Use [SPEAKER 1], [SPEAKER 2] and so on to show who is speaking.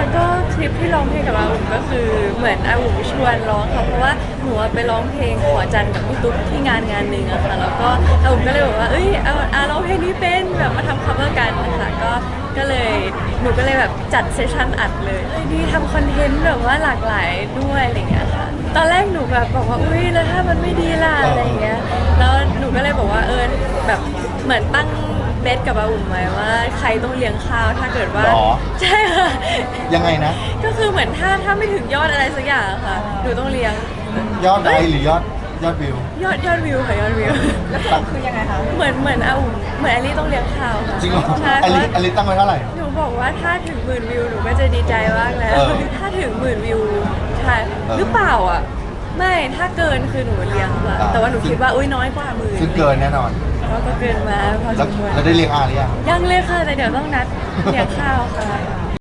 [SPEAKER 1] ก็ทริปที่ร้องเพลงกับอาอุ๋มก็คือเหมือนอาอุ๋มชวนร้องค่ะเพราะว่าหนูไปร้องเพลงขอจันทร์กับพี่ตุ๊กที่งานหนึ่งอะค่ะแล้วก็อาอุ๋มก็เลยบอกว่าเอ้ยร้องเพลงนี้เป็นแบบมาทำ cover กันนะคะก็เลยหนูก็เลยแบบจัดเซสชั่นอัดเลยดีทำคอนเทนต์แบบว่าหลากหลายด้วยอะไรเงี้ยค่ะตอนแรกหนูแบบบอกว่าอุ้ยแล้วถ้ามันไม่ดีล่ะอะไรเงี้ยแล้วหนูก็เลยบอกว่าแบบเหมือนตั้งเบสกับอาอุ๋มไว้ว่าใครต้องเลี้ยงข้าวถ้าเกิดว่าใช่ค่ะ
[SPEAKER 2] ยังไงนะ
[SPEAKER 1] ก็คือเหมือนถ้าไม่ถึงยอดอะไรสักอย่างอะค่ะหนูต้องเลี้ยง
[SPEAKER 2] ยอดไลค์หรือยอดวิวย
[SPEAKER 1] อดวิวค่ะยอดวิว
[SPEAKER 3] แล้วสรุปคือยังไงคะ
[SPEAKER 1] เหมือนอาอุ๋มเหมือนแอลลี่ต้องเลี้ยงข้าวค่ะ
[SPEAKER 2] จริงเหรอ
[SPEAKER 1] ใช่
[SPEAKER 2] อ
[SPEAKER 1] เพราะ
[SPEAKER 2] ลิตั้งไว้เท่าไหร่
[SPEAKER 1] หนูบอกว่าถ้าถึง10,000 วิวหนูก็จะดีใจมากแล้ว
[SPEAKER 2] เออ
[SPEAKER 1] ถ้าถึง10,000 วิวใช่หรือเปล่าอ่ะไม่ถ้าเกินคือหนูเลี้ยงค่ะแต่ว่าหนูคิดว่าอุ้ยน้อยกว่า10,000
[SPEAKER 2] ซึ่งเกินแน่นอน
[SPEAKER 1] ก็เกินมาพอส
[SPEAKER 2] แล้ว
[SPEAKER 1] มควร
[SPEAKER 2] แล้วได้เรียกอาหรือยัง
[SPEAKER 1] ยังเลยค่ะแต่เดี๋ยวต้องนัดเลี้ยงข้าวค่ะ